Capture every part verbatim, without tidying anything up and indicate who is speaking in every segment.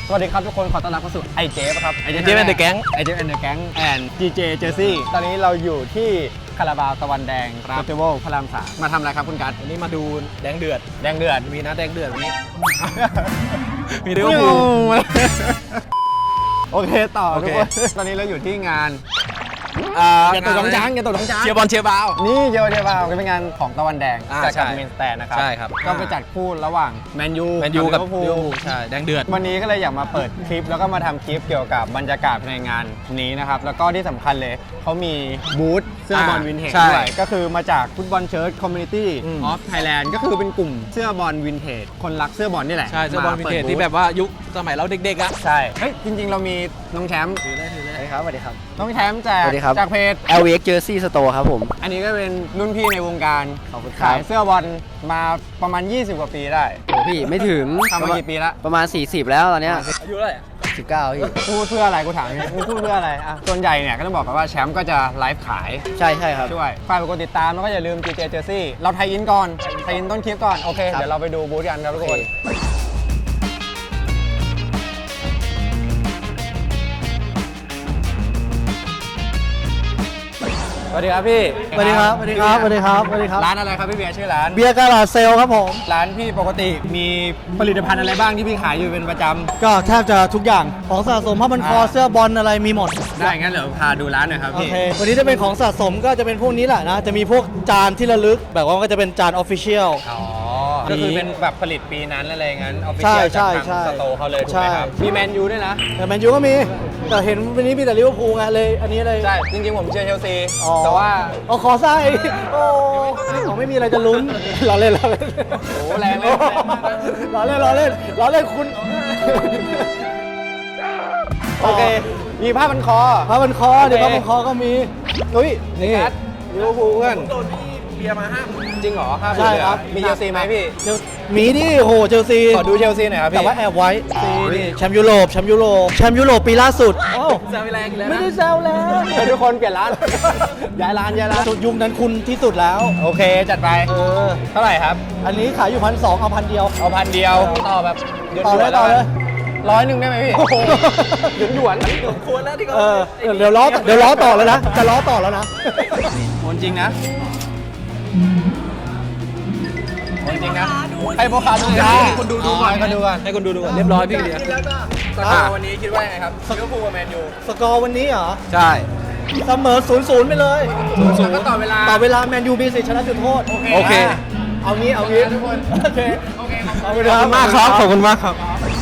Speaker 1: สวัสดีครับทุกคนขอต้อนรับเข้าสู่ไอเจฟครับไอเจฟ
Speaker 2: ไอเจฟแอนด์เดอะแก๊ง
Speaker 1: ไอเจฟแอนด์เดอะแก๊งแอนด์จีเจเจอร์ซี่ตอนนี้เราอยู่ที่คาราบาวตะวันแดงเฟสติวัลพระรามสามมาทำอะไรครับคุณกัส
Speaker 2: วันนี้มาดูแดงเดือด
Speaker 1: แดงเดือด
Speaker 2: มีนะแดงเดือดวันนี้ มี
Speaker 1: เดี๋
Speaker 2: เรื่
Speaker 1: ย
Speaker 2: อง
Speaker 1: ว
Speaker 2: บู
Speaker 1: โอเคต่อ
Speaker 2: โอ
Speaker 1: ทุก
Speaker 2: เค
Speaker 1: คนตอนนี้เราอยู่ที่งานอ่า
Speaker 2: อย่าตกน้องช้างอย่าตกน้องช้างเชียร์บอลเชียร์บาว
Speaker 1: นี่เจอเดียวบาวก็เป็นงานของตะวันแดง
Speaker 2: อ่า
Speaker 1: จาก
Speaker 2: ใช่
Speaker 1: กับเมนสแตนนะครับ
Speaker 2: ใช่ครับ
Speaker 1: ก็ไปจัดคู่ระหว่างแมนยู
Speaker 2: แมนยูกับ
Speaker 1: ลิ
Speaker 2: ลิ
Speaker 1: เว
Speaker 2: เว
Speaker 1: อ
Speaker 2: อ
Speaker 1: ร์
Speaker 2: ร์
Speaker 1: พูล
Speaker 2: พูลใช่แดงเดือด
Speaker 1: วันนี้ก็เลยอยากมาเปิดคลิปแล้วก็มาทำคลิปเกี่ยวกับบรรยากาศภายในงานนี้นะครับแล้วก็ที่สำคัญเลยเขามีบูธเสื้อบอล
Speaker 2: อ่า
Speaker 1: วินเทจ
Speaker 2: ใช่
Speaker 1: ด้วยก็คือมาจากฟุตบอลเชิร์ตคอมมูนิตี้
Speaker 2: อืม
Speaker 1: ออฟไทยแลนด์ก็คือเป็นกลุ่มเสื้อบอลวินเทจคนรักเสื้อบอลนี่แหละ
Speaker 2: ใช่เสื้อบอลวินเทจ
Speaker 1: มาปิด
Speaker 2: ที่แบบว่ายุคสมัยเราเด็กๆอ่ะ
Speaker 1: ใช่เฮ้ยจริงๆ เรามีน้องแชมป์
Speaker 2: ถือได้ถือได้
Speaker 3: สวัสดีครับ
Speaker 1: น้องแชมป์จาก
Speaker 3: สวัสดีครับ
Speaker 1: จากเพจ
Speaker 3: แอล วี เอ็กซ์ Jersey Store ครับผม
Speaker 1: อันนี้ก็เป็นรุ่นพี่ในวงการ
Speaker 3: ขอบคุณครับ
Speaker 1: ขายเสื้อบอลมาประมาณ ยี่สิบ กว่าปีได้
Speaker 3: โอ้พี่ไม่ถึง
Speaker 1: ทำมากี่ปีละ
Speaker 3: ประมาณ สี่สิบ แล้วตอนเนี้ย
Speaker 2: อายุเท่าไหร่อะ
Speaker 3: สิบเก้าพี่
Speaker 1: พูดเพื่ออะไรกูถามนี่มึงพูดเพื่ออะไรอ่ะส่วนใหญ่เนี่ยก็ต้องบอกกันว่าแชมป์ก็จะไลฟ์ขาย
Speaker 3: ใช่ใช่ครับ
Speaker 1: ช่วยฝากกดติดตามแล้วก็อย่าลืม จี เจ Jersey เราไทยอินก่อนไทยอินต้นคลิปก่อน โอเค
Speaker 3: ครับ
Speaker 1: เดี๋ยวเราไปดูบูธกันครับทุกคน สวัสดีครับพี่
Speaker 3: สวัสดีครับสวัสดีครับสวัสดีครับสวัสดีครับ
Speaker 1: ร้านอะไรครับพี่เบียร์ชื่อร้าน
Speaker 3: เบียร์กาลาเซลครับผม
Speaker 1: ร้านพี่ปกติมีผลิตภัณฑ์อะไรบ้างที่พี่ขายอยู่เป็นประจ
Speaker 3: ก็แทบจะทุกอย่างของสะสมผ้าพันคอเสื้อบอลอะไรมีหมด
Speaker 1: ำได้งั้นเดี๋ยวพาดูร้านหน่อยครับ
Speaker 3: โอ
Speaker 1: พี่
Speaker 3: เค วันนี้จะเป็นของสะสมก็จะเป็นพวกนี้แหละนะ จะมีพวกจานที่ระลึก แบบว่ามันก็จะเป็นจานออฟฟิเชียล
Speaker 1: อ๋อ ก็คือเป็นแบบผลิตปีนั้นอะไรงั้นเอาไป
Speaker 3: ใช่
Speaker 1: เชียร์จาก
Speaker 3: ใช่
Speaker 1: ทาง
Speaker 3: ใช่
Speaker 1: สโตร์เขาเลยถูกไหมครับ
Speaker 3: ใช่
Speaker 1: มีแมนยูด้วยนะ
Speaker 3: แต่แมนยูก็มี แต่เห็นวันนี้มีแต่ลิเวอร์พูลไงเลย อันนี้เลย
Speaker 1: ใช่ จริงๆ ผมเชียร์เชลซี
Speaker 3: อ๋อ
Speaker 1: แต่ว่า
Speaker 3: เอาขอไส้โอ้เขาไม่มีอะไรจะลุ้นล้อเล่นล้อเล่น
Speaker 1: โอ้แรงเลยแรงมากเลย
Speaker 3: ล้อเล่นล้อเล่นล้อเล่นคุณ
Speaker 1: โอเค มีผ้าพันคอ
Speaker 3: ผ้าพันคอเดี๋ยว
Speaker 1: โอ
Speaker 3: ผ้า
Speaker 1: เค
Speaker 3: พันคอก็มีอุ้ยนี่
Speaker 1: กัสลิเวอร์พูลเพื่อน
Speaker 2: โดนพี่เบียร์มาห้าม
Speaker 1: จริงเหรอห้า
Speaker 3: ใช่ครับ
Speaker 1: มีเชลซีไหมพี่
Speaker 3: เชลมีดิโหเชลซี
Speaker 1: ขอดูเชลซีหน่อยครับพี่
Speaker 3: แต่ว่าแอบไว้ซีนี่แชมป์ยุโรปแชมป์ยุโรปแชมป์ยุโรปปีล่าสุดโอ้
Speaker 2: แซวไปแรงอีกแล้ว
Speaker 3: ไม่
Speaker 2: นะ
Speaker 3: ได้แซวแล้ว
Speaker 1: เฮ้ยทุกคนเปลี่ยนร้าน ย้ายร้านย้ายร้าน
Speaker 3: สุดยุคนั้นคุณที่สุดแล้ว
Speaker 1: โอเค จัดไป
Speaker 3: เออ
Speaker 1: เท่าไหร่ครับ
Speaker 3: อันนี้ขายอยู่พันสองเอาพันเดียว
Speaker 1: เอาพันเดียว ต่อแบบหยวน
Speaker 3: ต่อเลย
Speaker 1: ๆ
Speaker 3: ต่อเลย
Speaker 1: ร้อยหนึ่งได้ไหมพี่
Speaker 3: โอ้โห
Speaker 1: หยวนหยวน
Speaker 2: ควรแล้วที่เขา
Speaker 3: เออเดี๋ยวล้อเดี๋ยวล้อต่อแล้วนะจะล้อต่อแล้วนะ
Speaker 1: โอนจริงนะโอนจริงนะ ให้พ่อค้าดูจ้า
Speaker 2: ให้คนดูดูก่อน
Speaker 1: ให้คนดูก่อน
Speaker 2: ให้คนดูดูก่อนเรียบร้อยพี่เบียร์
Speaker 1: สกอร์วันนี้คิดว่ายังไงครับลิเวอร์พูลกับแมนยู
Speaker 3: สกอร์วันนี้เหรอ
Speaker 2: ใช่
Speaker 3: เสมอศูนย์ศูนย์ไปเลย
Speaker 1: ส่วนก็ต่อเวลา
Speaker 3: ต่อเวลาแมนยูมีสิทธิ์ชนะจุดโทษ
Speaker 2: โอเค
Speaker 3: เอางี้เอางี้
Speaker 1: ทุกคน
Speaker 3: โอเค
Speaker 1: โอเค
Speaker 3: ขอบคุณ
Speaker 2: ขอบคุณมากครับขอบคุณมากครับ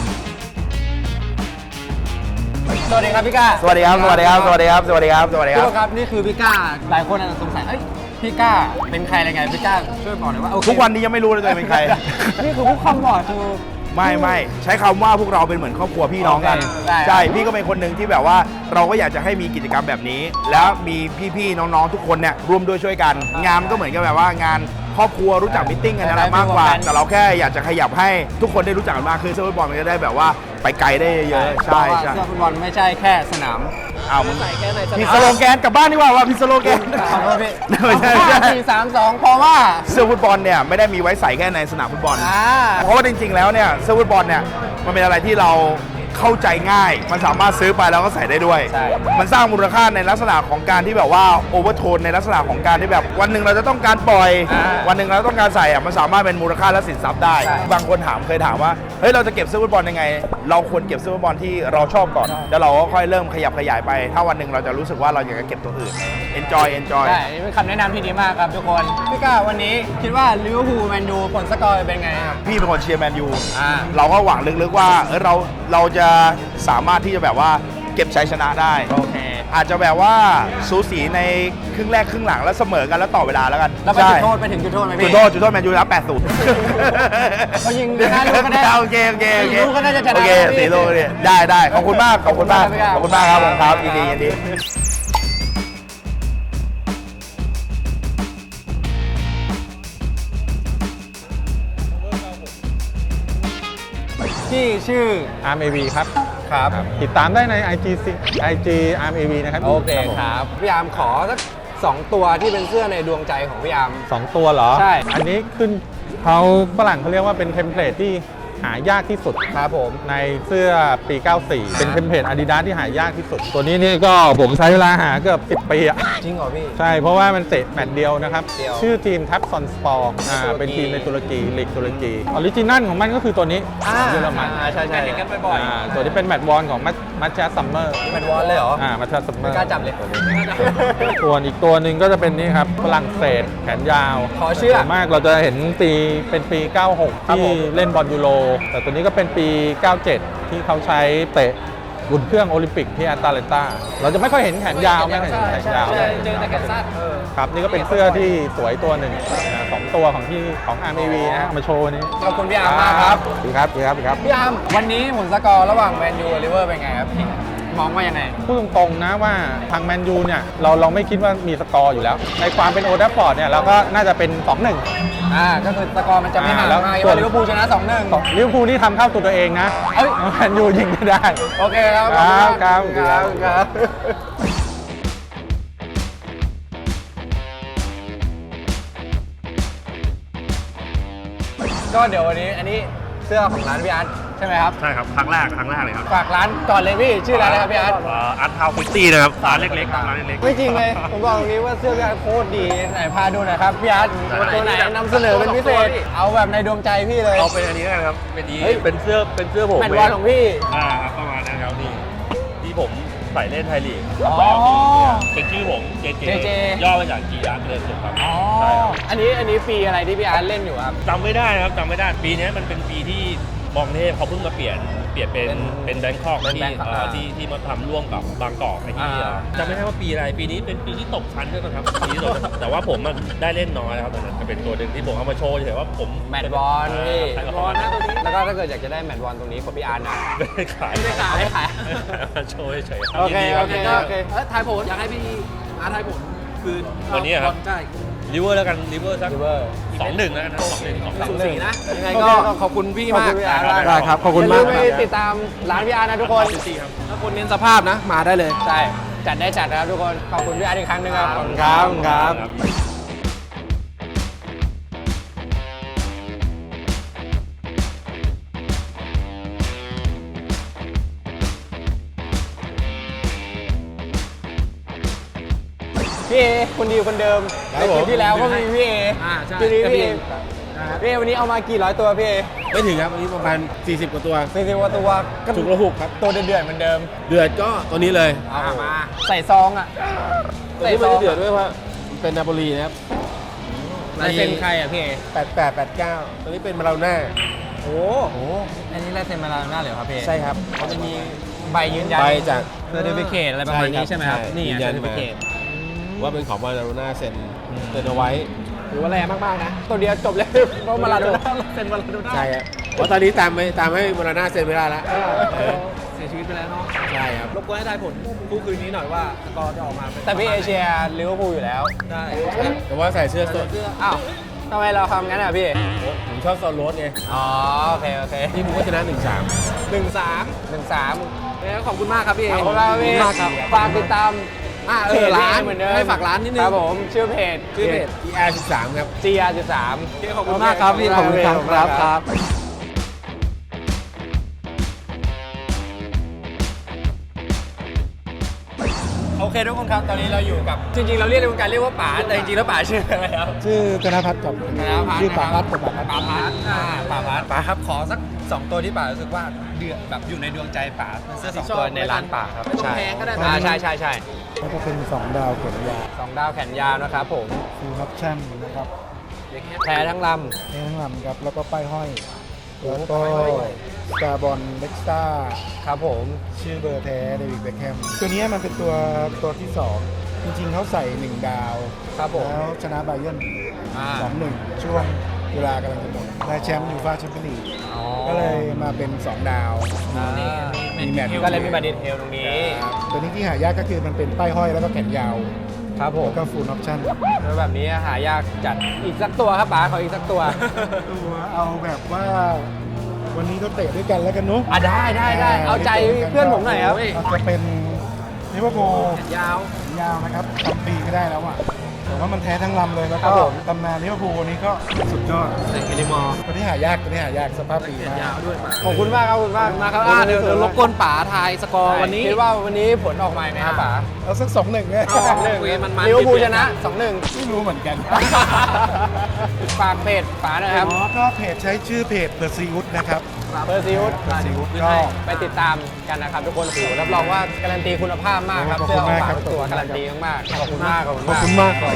Speaker 1: สวัสดีครับพี่ก้า
Speaker 4: สวัสดีครับ สวัสดีครับ สวัสดีครับ สวัสดีครับ สวัสดีค
Speaker 1: ทุ
Speaker 4: รั
Speaker 1: ก
Speaker 4: บ
Speaker 1: คนครับนี่คือพี่ก้า หลายคนอาจจะสงสัยเอ้ยพี่ก้าเป็นใครอะไรไงพี่ก้าช่วยบอกหน่อยว่าโอเค
Speaker 4: ทุกวันนี้ยังไม่รู้เลยตัวเองเป็นใคร
Speaker 1: นี่คือผู้คำบอกคือ
Speaker 4: ไม่ไม่ใช้คำว่าพวกเราเป็นเหมือนครอบครัวพี่น้องกัน
Speaker 1: โอเคได้
Speaker 4: ใช่ พี่ก็เป็นคนหนึ่งที่แบบว่าเราก็อยากจะให้มีกิจกรรมแบบนี้ แล้วมีพี่ๆน้องๆทุกคนเนี่ยร่วมด้วยช่วยกัน งานมันก็เหมือนกับแบบว่างานครอบครัวรู้จักมิทติ้งกันอะไรมากกว่า แต่เราแค่อยากจะขยับให้ทุกคนได้รู้จักกันมากขึ้นเสื้อฟุตบอลมันจะได้แบบว่าไปไกลได้เยอะๆใช่ใช่
Speaker 1: เสื้อฟุตบอลไม่ใช่แค่สนาม
Speaker 4: เอามึง
Speaker 2: ใส่แค่ในส
Speaker 4: มี
Speaker 2: นาม
Speaker 4: สโลแกนกลับบ้านดีกว่าว่ามีสโลแกน
Speaker 1: ขอโทษพี่
Speaker 4: ไม่ใช่ไม่ใช่
Speaker 1: ห้าสี่สามสองเพราะว่า
Speaker 4: เสื้อฟุตบอลเนี่ยไม่ได้มีไว้ใส่แค่ในสนามฟุตบอล
Speaker 1: อ่า
Speaker 4: เพราะว่าจริงๆ แล้วเนี่ยเสื้อฟุตบอลเนี่ยมันเป็นอะไรที่เราเข้าใจง่าย มันสามารถซื้อไปแล้วก็ใส่ได้ด้วย
Speaker 1: ใช่
Speaker 4: มันสร้างมูลค่าในลักษณะของการที่แบบว่าโอเวอร์โทนในลักษณะของการที่แบบวันหนึ่งเราจะต้องการปล่อย
Speaker 1: อ่า
Speaker 4: วันหนึ่งเราต้องการใส่อะมันสามารถเป็นมูลค่าและสินทรัพย์ได้
Speaker 1: ใช่
Speaker 4: บางคนถามเคยถามว่าเฮ้ยเราจะเก็บเสื้อฟุตบอลยังไง เราควรเก็บเสื้อฟุตบอลที่เราชอบก่อนแล้วเราก็ค่อยเริ่มขยับขยายไป ถ้าวันหนึ่งเราจะรู้สึกว่าเราอยากจะเก็บตัวอื่น enjoy enjoy
Speaker 1: ใช่นี่เป็นคำแนะนำที่ดีมากครับทุกคน พี่ก้าวันนี้คิดว่าลิเวอร์พูลแมนยูผลสกอร์เป็นไงครับ
Speaker 4: พี่เป็นคนเชียร์แมนยู
Speaker 1: อ่า
Speaker 4: เราก็หวังลึกๆว่าเออเราเราจะสามารถที่จะแบบว่าเก็บชัยชนะได้
Speaker 1: โอเค
Speaker 4: อาจจะแบบว่าสูสีในครึ่งแรกครึ่งหลังแล้วเสมอกันแล้วต่อเวลาแล้วกัน
Speaker 1: แล้วไปจุดโทษไปถึงจุดโทษไหม
Speaker 4: จุ
Speaker 1: พี่
Speaker 4: ดโทษจุดโทษแมนยูรับแปดศูนย์
Speaker 1: เขายิงหน้าลูกก็ได้
Speaker 4: โอเคโอเคโอเค
Speaker 1: สี่ลูกก็น่าจะชนะ
Speaker 4: โอเค
Speaker 1: แล้วพี่
Speaker 4: สี่ลูกเนี่ยได้ได้ขอบคุณมากขอบคุณมาก
Speaker 1: ข
Speaker 4: ข
Speaker 1: อ
Speaker 4: อ
Speaker 1: บบ คุ
Speaker 4: คุณ ณ
Speaker 1: มาม
Speaker 4: าก ก
Speaker 1: ค
Speaker 4: ค
Speaker 1: รั
Speaker 4: รั
Speaker 1: บบ
Speaker 4: ผมครับยินดียินดี
Speaker 1: ที่ชื่อ
Speaker 5: อาร์ม เอ วี ครับ
Speaker 1: ครับ
Speaker 5: ติดตามได้ใน ไอ จี ไอ จี อาร์ม เอ วี นะครับ
Speaker 1: โอเค
Speaker 5: ผม
Speaker 1: ครับ พี่อาร์มขอสักสองตัวที่เป็นเสื้อในดวงใจของพี่อาร์ม
Speaker 5: สองตัวเหรอ
Speaker 1: ใช่
Speaker 5: อันนี้ขึ้นเขาฝรั่งเขาเรียกว่าเป็นเทมเพลตที่หายากที่สุด
Speaker 1: ครับผม
Speaker 5: ในเสื้อปี เก้าสี่ เป็นเทมเพลต Adidas ที่หายากที่สุด ตัวนี้นี่ก็ผมใช้เวลาหาเกือบสิบปีอะ
Speaker 1: จริงเหรอพี่
Speaker 5: ใช่ เพราะว่ามันเตะแมตช์เดียวนะครับ
Speaker 1: เดียว
Speaker 5: ชื่อทีมทับซอนสปอร์อ่าเป็นทีมในตุรกีลีกตุรกีออริจินัลของมันก็คือตัวนี้
Speaker 1: อ่า
Speaker 5: เยอรมัน
Speaker 1: อ่าใช่ใช่
Speaker 2: เห็นกันบ่อย
Speaker 5: อ่าตัวนี้เป็นแมตช์วอนของมัตชาซัมเมอร์
Speaker 1: แมนวอลเลยเหรอ
Speaker 5: อ่ามัตชาซัมเมอ
Speaker 1: ไม่
Speaker 5: ร์
Speaker 1: กล้าจับเลย
Speaker 5: ส่วนอีกตัวหนึ่งก็จะเป็นนี่ครับฝรั่งเศสแขนยาว
Speaker 1: ขอเชื่อ
Speaker 5: ส่วนมากเราจะเห็นปีเป็นปี เก้าหก
Speaker 1: ครับ
Speaker 5: ที่
Speaker 1: ผม
Speaker 5: เล่นบอลยูโร แต่ตัวนี้ก็เป็นปี เก้าเจ็ด ที่เขาใช้เตะอุ่นเครื่องโอลิมปิกที่แอตแลนตาเราจะไม่ค่อยเห็นแขนยาวไม่ค่อยเห็นแขนยาว
Speaker 2: ใช่เจอแต่แกนซัด
Speaker 5: ครับนี่ก็เป็นเสื้อที่สวยตัวหนึ่งนะสองตัวของที่ของ อาร์ เอ็ม วี นะฮะเอามาโชว์วันนี้
Speaker 1: ขอบคุณพี่อาร์มมากครับ
Speaker 5: ดีครับดีครับดีครับ
Speaker 1: พี่อาร์มวันนี้ผลสกอร์ระหว่างแมนยูกับลิเวอร์เป็นไงครับพี่มองว่ายังไง
Speaker 5: พูดตรงๆนะว่าทางแมนยูเนี่ยเราเราไม่คิดว่ามีสกอร์อยู่แล้ว ในความเป็นโอลด์แทราฟฟอร์ดเนี่ยเราก็น่าจะเป็น สองหนึ่ง
Speaker 1: อ่าก็คือสกอร์มันจะไม่ห่าง
Speaker 5: อ่าแล้ว
Speaker 1: มาก
Speaker 5: ส่วน
Speaker 1: ลิเวอร์พูลชนะ สองหนึ่ง
Speaker 5: ลิเวอร์พูลนี่ทำเข้าตัวตัวเองนะ
Speaker 1: เอ้ย
Speaker 5: แมนยูยิงไม่ได้
Speaker 1: โอเคครับ
Speaker 5: ครับครับ
Speaker 1: ครับครับ ก็เดี๋ยววันนี้อันนี้เสื้อของร้านพี่อาร์ตใช่ไหมครับ
Speaker 6: ใช่ครับครั้งแรกครั้งแรกเลยครับ
Speaker 1: ฝากร้านก่อนเลยพี่ชื่อร้านอะไรครับพี่อาร์ต
Speaker 6: อาร์ตทาวฟิฟตี้นะครับร้านเล็กๆครับร้านเล็กๆ
Speaker 1: ไม่จริงเลย ผมบอกตรงนี้ว่าเสื้อพี่อาร์ตโคตรดีไหนพาดูหน่อยครับพี่อาร์ตตัวไหนนำเสนอเป็นพิเศษ เอาแบบในดวงใจพี่เลย
Speaker 6: เอาเป็นอันนี้นะครับเป็นนี้
Speaker 1: เฮ้ย
Speaker 6: เป็นเสื้อเป็นเสื้อผม
Speaker 1: แมตช์วอลของพี่
Speaker 6: อ่าครับประมาณนั้นครับนี่ที่ผมใส่เล่นไทยลีก
Speaker 1: อ๋อ
Speaker 6: เป็นชื่อผมเจเจ
Speaker 1: เจเจ
Speaker 6: ย่อมาจากจีอาร์ตเลยสุดครับ
Speaker 1: อ๋อ
Speaker 6: ใช่ครับ
Speaker 1: อันนี้อันนี้ปีอะไรที่พี่อาร์ตเล่นอยู่ครับ
Speaker 6: จำไม่ได้นะครับจำไม่ได้ปีนี้มันเป็นปีที่มองเทพเขาเพิ่งมาเปลี่ยนเปลี่ยนเป็น
Speaker 1: เป็น
Speaker 6: เป็นแบงคอก
Speaker 1: เป็น
Speaker 6: ที่
Speaker 1: Bangkok
Speaker 6: เอ่อ
Speaker 1: อ่า
Speaker 6: ที่ที่มาทำร่วมกับบางกอกไอ้ที่
Speaker 1: อ่า
Speaker 6: จำไม่ได้ว่าปีอะไรปีนี้เป็นปีที่ตกชั้นด้วยนะครับปีที่ตกชั้นแต่ว่าผมมันได้เล่นน้อยนะครับตอนนั้นก็เป็นตัวหนึ่งที่ผมเอามาโชว์เฉยๆว่าผม
Speaker 1: แมตช์บอลพี่
Speaker 6: ใช่ครับ
Speaker 1: บอลนะตัวนี้แล้วก็ถ้าเกิดอยากจะได้แมตช์บอลตรงนี้ของพี่อาร์ตนะ
Speaker 6: ไม่ได้ขาย
Speaker 1: ไม่ได้ขายไม่ได้ขาย
Speaker 6: มาโชว์เฉยๆรับ
Speaker 1: โอเค
Speaker 6: ยินดีรับ
Speaker 1: โอเค
Speaker 6: ยินดีรับ
Speaker 1: โอเค
Speaker 2: เอ้ยทายผลอยากให้พี่อาร์ตทายผลคืน
Speaker 6: วันนี้ครับ
Speaker 2: ใช่
Speaker 6: ลิเวอร์แล้วกันลิเวอร์สัก
Speaker 1: ลิเวอร์
Speaker 6: สองหนึ่งแล้วกันนะสองหนึ่งสองหนึ่ง
Speaker 2: สูสีนะ ยังไง
Speaker 1: โอ
Speaker 2: ก็
Speaker 1: เค
Speaker 2: ขอบคุณพี่
Speaker 1: ขอบ
Speaker 2: มาก
Speaker 1: คุณพี่อาร์ตมาก
Speaker 6: ได้ครับขอบคุณ
Speaker 1: อย่
Speaker 6: มาก
Speaker 1: ลืไปติดตามร้านพี่อาร์ตนะทุกคน
Speaker 2: ถ้าคนเน้นสภาพนะ มาได้เลย
Speaker 1: ใช่ จัดได้จัดนะครับทุกคน ขอบคุณพี่อาร์ตอีกครั้งหนึงครับ
Speaker 6: ครับ
Speaker 1: ครับครับ พี่เอคนดีคนเดิมในคลิปที่แล้วก็มีพี่เอ
Speaker 2: อ่าใช่
Speaker 1: ทีนี้
Speaker 2: ก็
Speaker 1: พี่
Speaker 2: มี
Speaker 1: เอพี่เอวันนี้เอามากี่ร้อยตัวพี่เอ
Speaker 7: ไม่ถึงครับ วันนี้ประมาณ สี่สิบ กว่าตัว
Speaker 1: สี่สิบกว่าตัวก็
Speaker 7: ถูกระหุกครับ
Speaker 1: ตัวเดือดๆเหมือนเดิม
Speaker 7: เดือดก็ตัวนี้เลย
Speaker 1: เอามา ใส่ซองอ่ะ
Speaker 7: ตัวนี้มันจะเดือดด้วยเพราะมันเป็นนาโปลีนะครับ
Speaker 1: ลายเซ็นใครอ่ะพี่เอ
Speaker 7: แปดแปด แปดเก้า ตัวนี้เป็นมาราโน่า
Speaker 1: โอ้โห อันนี้ลายเซ็นมาลาหน้าเลยเหรอครับพี่เอ
Speaker 7: ใช่ครับเขาจะมี
Speaker 1: ใบยืนยัน
Speaker 7: ใบจาก
Speaker 1: เซอร์ติฟิเคตอะไรประมาณนี้ใช่ไหมครับ
Speaker 7: ใช่
Speaker 1: นี่
Speaker 7: ยืน
Speaker 1: เซ
Speaker 7: ยั
Speaker 1: อน ร์ติฟิเคต
Speaker 7: ว่าเป็นของมาราโน่าเซ็นเซ็นเอาไว้
Speaker 1: ถือว่าแรงมาก ๆ นะ ตัวเดียวจบเลยเพราะมาลาโดน่าเซ็นมาลาโดน่า
Speaker 7: ใช่ครับเพราะตอนนี้ตามไม่ตามให้มาราโน่าเซ็นไม่ได้แล้วเออ
Speaker 2: เสียชีวิตไปแล้วเนาะ
Speaker 7: ใช่ครับ
Speaker 2: รบกวนให้ทายผลคู่คืนนี้หน่อยว่าสกอร์จะออกมาเป็น
Speaker 1: แต่พี่เอเชียลิเวอร์พูลอยู่แล้ว
Speaker 2: ได้
Speaker 7: แต่ว่าใส่เสื้อโซน
Speaker 1: อ้าวทำไมเราทำงั้นอ่ะพี่
Speaker 7: ผมชอบโซนโรสไง
Speaker 1: อ๋อ โอเค โอเค
Speaker 7: นี่ผมก็ชนะหนึ่งสาม
Speaker 2: หนึ่งสาม
Speaker 1: หนึ่งสาม
Speaker 2: แล้วขอบคุณมากครับพี่เอ
Speaker 1: ขอบคุณมากพี่
Speaker 2: มากครับ
Speaker 1: ฝากติดตาม
Speaker 2: อ่าเอ
Speaker 1: เพ
Speaker 2: อ
Speaker 1: จ
Speaker 2: ร้าน
Speaker 1: เหมือนเดิม
Speaker 2: ให้ฝากร้านนิดนึง
Speaker 1: ครับผม ชื่อเพจ
Speaker 2: ชื่อเพจ
Speaker 7: อี อาร์ สิบสาม ครับ
Speaker 1: จี อาร์ สิบสาม
Speaker 2: โอเคขอบคุณมากครับพี่ขอบคุณครับครับครับ
Speaker 1: โอเคทุกคนครับ ตอนนี้เราอยู่กับ จริง ๆ เราเรียกในวงการเรียกว่าป๋า แต่จริง ๆ แล้วป๋าชื่ออะไรครับ
Speaker 3: ชื่อธนพัฒน์กับ
Speaker 1: ธนพัฒน์
Speaker 3: ชื่อป๋าพัฒน์
Speaker 1: นะ
Speaker 3: กับป๋าพัฒน์
Speaker 1: ป๋าพัฒน์อ่าป๋าพัฒน์ป๋าครับ ขอสักสองตัวที่ป๋ารู้สึกว่าเดือดแบบอยู่ในดวงใจป๋าเป็นเสื้อสองตัวในร้านป๋าครับ
Speaker 2: ไม่ต้องแพงก็ได้
Speaker 1: อ่าใช่ใช่ใช่
Speaker 3: ก็จะเป็นสองดาวเขียนยา
Speaker 1: สองดาวแขนยาวนะครับผม
Speaker 3: ฟูลออปชั่นนะครับ
Speaker 1: แพ้ทั้งล
Speaker 3: เน้นลำครับแล้วก็ป้ายห้อย แล้วก็สตาร์บอลเล็กซ่า
Speaker 1: ำครับผม
Speaker 3: ชื่อเบอร์แท้เดวิดเบคแฮมตัวนี้มันเป็นตัวตัวที่สองจริงๆเขาใส่หนึ่งดาว
Speaker 1: ครับผม
Speaker 3: แล้วชนะไบเยิร์น
Speaker 1: อ่า
Speaker 3: สองหนึ่งช่วงเวลากำลังจะหมดได้แชมป์ยูฟ่าแชมเปี้ยนลีก
Speaker 1: อ๋อ
Speaker 3: ก็เลยมาเป็นสองดาว
Speaker 1: อ่า
Speaker 3: มีแมตช์
Speaker 1: ก็เลยมีบัตรดีเทลตรงนี้
Speaker 3: ครับตัวนี้ที่หายากก็คือมันเป็นป้ายห้อยแล้วก็แขนยาว
Speaker 1: ครับผม
Speaker 3: แล้วก็ฟูลออปชั่น
Speaker 1: แล้วแบบนี้หายากจัดอีกสักตัวครับป๋าขออีกสักตัว
Speaker 3: ตัวเอาแบบว่าวันนี้ก็เตะด้วยกันแล้วกันเนาะ
Speaker 1: อ่ะได้ได้ได้เอาใจเพื่อนผมหน่อยครับ
Speaker 3: อาจจะเป็นลิเวอร์พูล
Speaker 2: ยาว
Speaker 3: ยาวนะครับทำปีก็ได้แล้วอ่ะ
Speaker 8: ผมว่ามันแท้ทั้งลำเลยแล้ว
Speaker 1: ครั
Speaker 8: ก็
Speaker 1: บผม
Speaker 8: ตำนานลิเวอร์พูลวันนี้ก็สุดยอด
Speaker 2: เซนเกลิมอร์
Speaker 8: ตัวนี้หายากตัวนี้หายากสภาพดีมาก
Speaker 2: ยาวด้วยมา
Speaker 1: ขอบคุณมากครับขอบคุณมาก
Speaker 2: มาครับอ่าเดี๋ยวเดี๋ยวรบกวนป๋าทายสกอร์วันนี้
Speaker 1: คิดว่าวันนี้ผลออกมาไหมครับป๋า
Speaker 8: เอาสักสองหนึ่งไง
Speaker 1: สองหนึ่ง
Speaker 2: คุยมันมัน
Speaker 1: ลิเวอร์พูลชนะสองหนึ่ง
Speaker 8: ไม่รู้เหมือนกัน
Speaker 1: ฝากเพจป๋าหน่อยครับ
Speaker 8: อ๋อก็เพจใช้ชื่อเพจเ e อร์ซีอุดนะครับ
Speaker 1: เปอร์ซิว
Speaker 8: Pursuit
Speaker 1: ก็
Speaker 8: ก็
Speaker 1: ไปติดตามกันนะครับทุกคนโอ้โหรับรองว่าการันตีคุณภาพมากครับ
Speaker 8: ขอบ
Speaker 1: เสื้
Speaker 8: คุ
Speaker 1: อ
Speaker 8: ณ
Speaker 1: ของ
Speaker 8: มาก
Speaker 1: ฝาก
Speaker 8: ครับ
Speaker 1: ทุกตัวการันตีมากๆขอบคุณมากขอบคุณ
Speaker 8: ขอบ
Speaker 1: มาก
Speaker 8: คุณมากครับ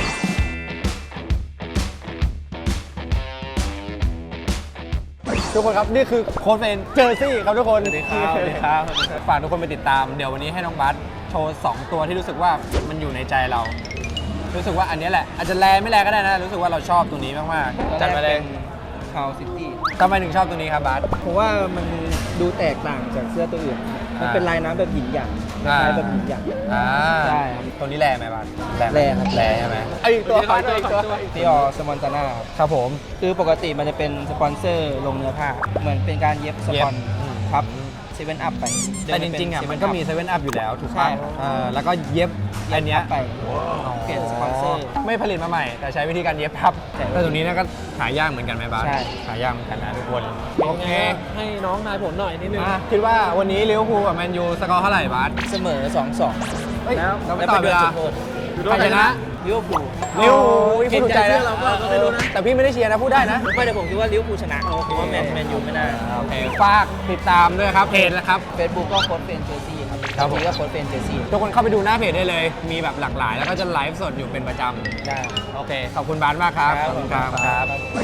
Speaker 1: ทุกคนครับนี่คือโค้ชเฟนเจอร์ซี่ครับทุกคนสวัสดีครับสวัสดีครับฝากทุกคนไปติดตามเดี๋ยววันนี้ให้น้องบัสโชว์สองตัวที่รู้สึกว่ามันอยู่ในใจเรา รู้สึกว่าอันนี้แหละอาจจะแลไม่แลก็ได้นะรู้สึกว่าเราชอบตัวนี้มากๆจัดมาเลย
Speaker 3: คาวซิตี้
Speaker 1: ทำไมถึงชอบตัวนี้ครับบัส
Speaker 3: ผมว่ามันดูแตกต่างจากเสื้อตัวอื่น มันเป็นลายน้ำแบบหยินหยาง
Speaker 1: อ่า
Speaker 3: ลายแบบหยินหยาง
Speaker 1: อ่า
Speaker 3: ใช่ครับ
Speaker 1: ตัวนี้แลไหมบัสไหม
Speaker 3: แลครับ
Speaker 1: แลใช่ไหมไอ้อีกตัวขอตัวอีกตัว
Speaker 3: ซีออสมอนตาน่า
Speaker 1: ครับผม
Speaker 3: คือปกติมันจะเป็นสปอนเซอร์ลงเนื้อผ้า เหมือนเป็นการเย็บสปอน
Speaker 1: เย็บอืม
Speaker 3: ครับเซเว่นอัพไป
Speaker 1: แต่จริงๆอ่ะมันก็มีเซเว่นอัพอยู่แล้วถูก
Speaker 3: ใช่
Speaker 1: ป่ะ
Speaker 3: ครับ
Speaker 1: เออแล้วก็เย็บอันเนี้ย
Speaker 3: ไปเปลี่ยนสปอนเซอร์
Speaker 1: ไม่ผลิตมาใหม่ แต่ใช้วิธีการเย็บพับ
Speaker 3: ใช่
Speaker 1: แต่ตัวนี้เนะก็หายากเหมือนกันไหมบาส
Speaker 3: ใช่
Speaker 1: หายากเหมือนกันนะทุกคนโอเค
Speaker 2: ให้น้องทายผลหน่อยนิดนึง
Speaker 1: อ่ะคิดว่าวันนี้ลิเวอร์พูลกับแมนยูสกอร์เท่าไหร่บาส
Speaker 3: เสมอ สองสอง
Speaker 1: เฮ้ย
Speaker 3: แล้ว
Speaker 1: เราไม่ต่อเวลา ใครชนะ
Speaker 3: ลิเวอร์พูล
Speaker 1: ลิเวอร์พูล
Speaker 2: เห็นใจเสื้อเราก็ไม่รู้นะ
Speaker 1: แต่พี่ไม่ได้เชียร์นะพูดได้นะ
Speaker 3: ไม่แต่ผมคิดว่าลิเวอร์พูลชนะเพราะว่าแมนแมนยูไม่ได้
Speaker 1: โอเคฝากติดตามด้วยครับเพจนะครับ
Speaker 3: เฟซบุ๊กก็โค้ดเฟนเจอร์ซี่ครับ
Speaker 1: ครับผม
Speaker 3: ทีก็โค้ดเฟนเจอร์ซี่
Speaker 1: ทุกคนเข้าไปดูหน้าเพจได้เลย มีแบบหลากหลาย แล้วก็จะไลฟ์สดอยู่เป็นประจำ
Speaker 3: ได้
Speaker 1: โอเค ขอบคุณบาสมากครับ ขอบคุณครับครับ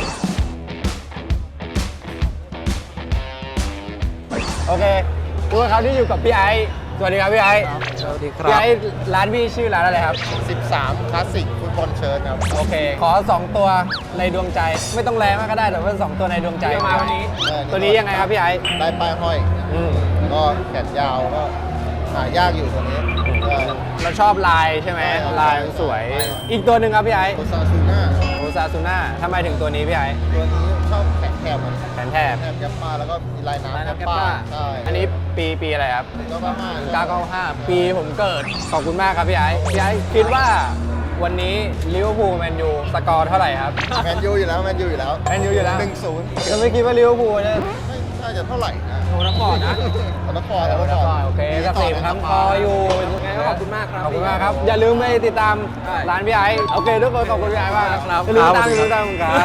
Speaker 1: โอเคทุกคนครับที่อยู่กับพี่ไอซ์สวัสดีครับพี่ไอซ์
Speaker 3: สวัสดีค
Speaker 1: พี่
Speaker 3: รับ
Speaker 1: ไอซ์ร้านพี่ชื่อร้านอะไรครับ
Speaker 8: สิบสามคลาสสิกฟุตบอลเชิญครับ
Speaker 1: โอเค ขอสองตัวในดวงใจ ไม่ต้องแรงมากก็ได้แต่ว่าสองตัวในดวงใจ
Speaker 2: มาวันนี้
Speaker 1: ตัวนี้ยังไงครับพี่ไอซ์
Speaker 8: ได้ป้ายห้อย
Speaker 1: อืม
Speaker 8: ก็แขนยาวก็หายากอยู่ตัวนี้
Speaker 1: เราชอบลายใช่ไหม
Speaker 8: ใช่ครับ
Speaker 1: ลายมันสวย
Speaker 8: ใช่ครับ
Speaker 1: อีกตัวหนึ่งครับพี่ไอซ์
Speaker 8: โอซาซูน่า
Speaker 1: โอซาซูน่าทำไมถึงตัวนี้พี่ไอซ์
Speaker 8: ตัวนี้ชอบแขนแคบมัน
Speaker 1: แผนแทบ
Speaker 8: แคบแกปป้าแล้วก็มีลายน้ำ
Speaker 1: ลาย
Speaker 8: แก
Speaker 1: น้ำ
Speaker 8: ป
Speaker 1: แกป
Speaker 8: ป้า
Speaker 1: ป้า
Speaker 8: ใช่
Speaker 1: อันนี้ปีปีอะไรครับ
Speaker 8: ก็ป้าห้า
Speaker 1: เก้าเก้าห้าปีผมเกิด ขอบคุณมากครับพี่ไอ้พี่ไอ้คิดว่าวันนี้ลิเวอร์พูลแมนยูสกอร์เท่าไหร่ครับ
Speaker 8: แมนยูอยู่แล้วแมนยูอยู่แล้ว
Speaker 1: แมนยูอยู่แล้ว
Speaker 8: หนึ่งศูนย์
Speaker 1: ก็ไม่คิดว่าลิเวอร์พูลจะ
Speaker 8: ไม่น่าจะเท่าไหร่นะ
Speaker 1: โอ้นักบอลนะ
Speaker 8: เอาละครเอาละคร
Speaker 1: โอเคกสิบครับคออยู่
Speaker 2: งั้นก็ขอบคุณมากครับ
Speaker 1: ขอบคุณมากครับ อย่าลืมไปติดตามร้านพี่ไอ้โอเคทุกคนขอบคุณพี่ไอ้มาก
Speaker 2: ครับ
Speaker 1: อย่าลืมตามอย่าลืมตามครับ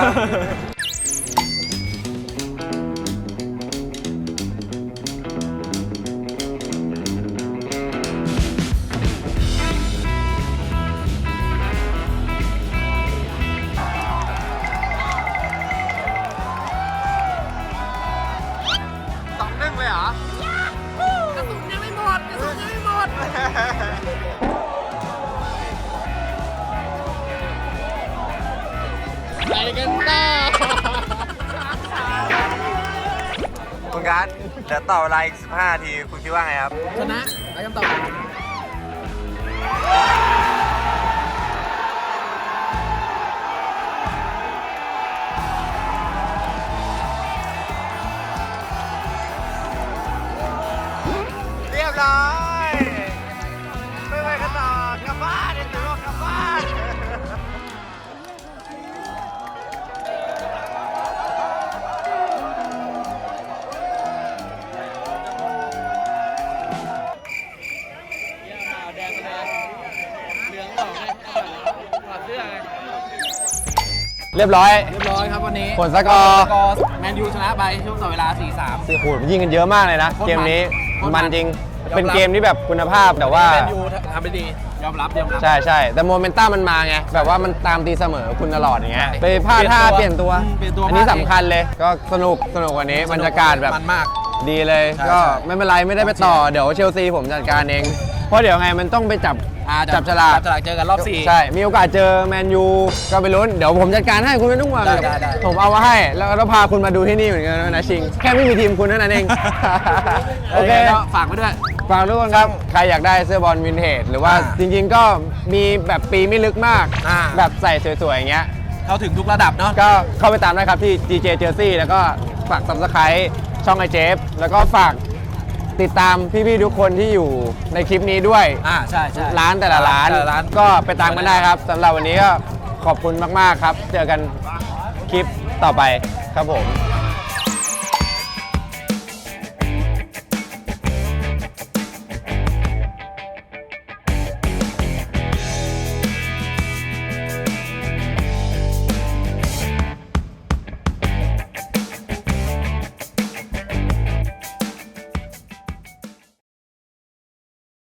Speaker 4: สองหนึ่งเลยเหรอ
Speaker 1: คุณการ์ดเดี๋ยวต่อเวลาอีกสิบห้านาทีคุณคิดว่าไงครับ
Speaker 2: ชนะไปคำตอบ
Speaker 1: เรียบร้อยไม่ไปกันต่อกลับบ้านเดี๋ยวถือว่ากลับบ้าน เรียบร้อย
Speaker 2: เรียบร้อยครับวันนี้
Speaker 1: ผลสกอร์
Speaker 2: สกอร์แมนยูชนะไปช่วงต่อเวลา สี่สาม
Speaker 1: โอ้โหยิงกันเยอะมากเลยนะ
Speaker 2: โคตรมัน
Speaker 1: เกมนี้
Speaker 2: โคตรมั
Speaker 1: มัน
Speaker 2: น
Speaker 1: จริง
Speaker 2: ยอมรับ
Speaker 1: เป็นเกมที่แบบคุณภาพแต่ว่า
Speaker 2: แมนยูทำได้ดี ยอมรับยอมรับ
Speaker 1: ใช่ใช่แต่โมเมนตัมมันมาไง แบบว่ามันตามตีเสมอคุณตลอดอย่างเงี้ยไปพลาดท่าเปลี่ยนตัว
Speaker 2: เปลี่ยนตัว
Speaker 1: อันนี้
Speaker 2: พลาด
Speaker 1: สำคัญเลย ก็สนุกสนุกวันนี้บรรยากาศแบบ
Speaker 2: มันมาก
Speaker 1: ดีเลย
Speaker 2: ใช่
Speaker 1: ก็
Speaker 2: ใช่
Speaker 1: ไม่เป็นไรไม่ได้ไปต่อเดี๋ยวเชลซีผมจัดการเอง เพราะเดี๋ยวไงมันต้องไปจับ
Speaker 2: อ่า
Speaker 1: จับฉลาก
Speaker 2: จับฉลากเจอกันรอบสี่
Speaker 1: ใช่ มีโอกาสเจอแมนยูก็ไปลุ้น เดี๋ยวผมจัดการให้คุณไม่ต้องห่วง
Speaker 2: ได้ได้ได้
Speaker 1: ผมเอามาให้ แล้วก็พาคุณมาดูที่นี่เหมือนกันนะชิง แค่ไม่มีทีมคุณเท่านั้นเอง โอเค
Speaker 2: ก็ฝากไว้ด้วย
Speaker 1: ฝากทุกคนครับ ใครอยากได้เสื้อบอลวินเทจหรือว่า
Speaker 2: อ่า
Speaker 1: จริงๆก็มีแบบปีไม่ลึกมาก
Speaker 2: อ่า
Speaker 1: แบบใส่สวยๆอย่างเงี้ย
Speaker 2: เข้าถึงทุกระดับเนาะ
Speaker 1: ก็เข้าไปตามได้ครับที่ จี เจ Jersey แล้วก็ฝาก Subscribe ช่องไอเจฟแล้วก็ฝากติดตามพี่ๆทุกคนที่อยู่ในคลิปนี้ด้วย
Speaker 2: อ่าใช่ใช่
Speaker 1: ร้านแต่ละร้าน
Speaker 2: แต่ละร้าน
Speaker 1: ก็ไปตามกันได้ครับสำหรับวันนี้ก็ขอบคุณมากๆครับ เจอกันคลิปต่อไปครับผม